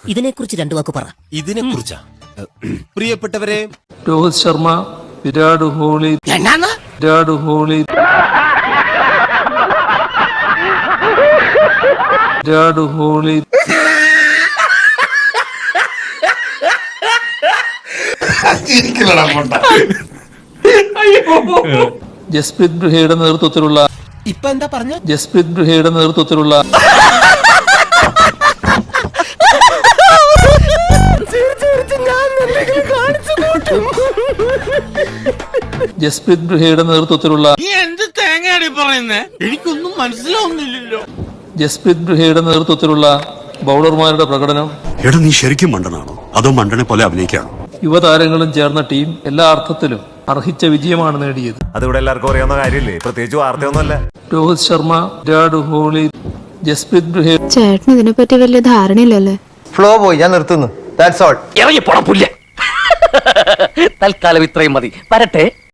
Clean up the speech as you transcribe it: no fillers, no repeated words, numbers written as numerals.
ഇതിനെക്കുറിച്ച് രണ്ടു വാക്ക് പറ. ഇതിനെക്കുറിച്ചാ പ്രിയപ്പെട്ടവരെ, രോഹിത് ശർമ്മ, വിരാട് കോഹ്ലി, ജസ്പ്രീത് ബുംറയുടെ നേതൃത്വത്തിലുള്ള ഇപ്പൊ എന്താ പറഞ്ഞ എന്ത് തേങ്ങയാണ് പറയുന്നേ? എനിക്കൊന്നും മനസ്സിലാവുന്നില്ലല്ലോ. ജസ്പ്രീത് ബുംറയുടെ നേതൃത്വത്തിലുള്ള ബൗളർമാരുടെ പ്രകടനം. എടാ, നീ ശരിക്കും മണ്ടനാണോ അതോ മണ്ടനെ പോലെ അഭിനയിക്കാണോ? യുവതാരങ്ങളും ചേർന്ന ടീം എല്ലാ അർത്ഥത്തിലും അർഹിച്ച വിജയമാണ് നേടിയത്. അതിവിടെ എല്ലാവർക്കും അറിയാവുന്ന കാര്യമില്ലേ, പ്രത്യേകിച്ച് വാർത്തയൊന്നുമല്ല. രോഹിത് ശർമ്മ, വിരാട് കോഹ്ലി, ജസ്പ്രീത് ബുംറ. ചേട്ടന് ഇതിനെപ്പറ്റി വലിയ ധാരണയില്ലല്ലേ? ഫ്ലോ പോയി, ഞാൻ നിർത്തുന്നു. That's all. ഇറങ്ങി പോടാ പുല്ല. തൽക്കാലം ഇത്രയും മതി. വരട്ടെ.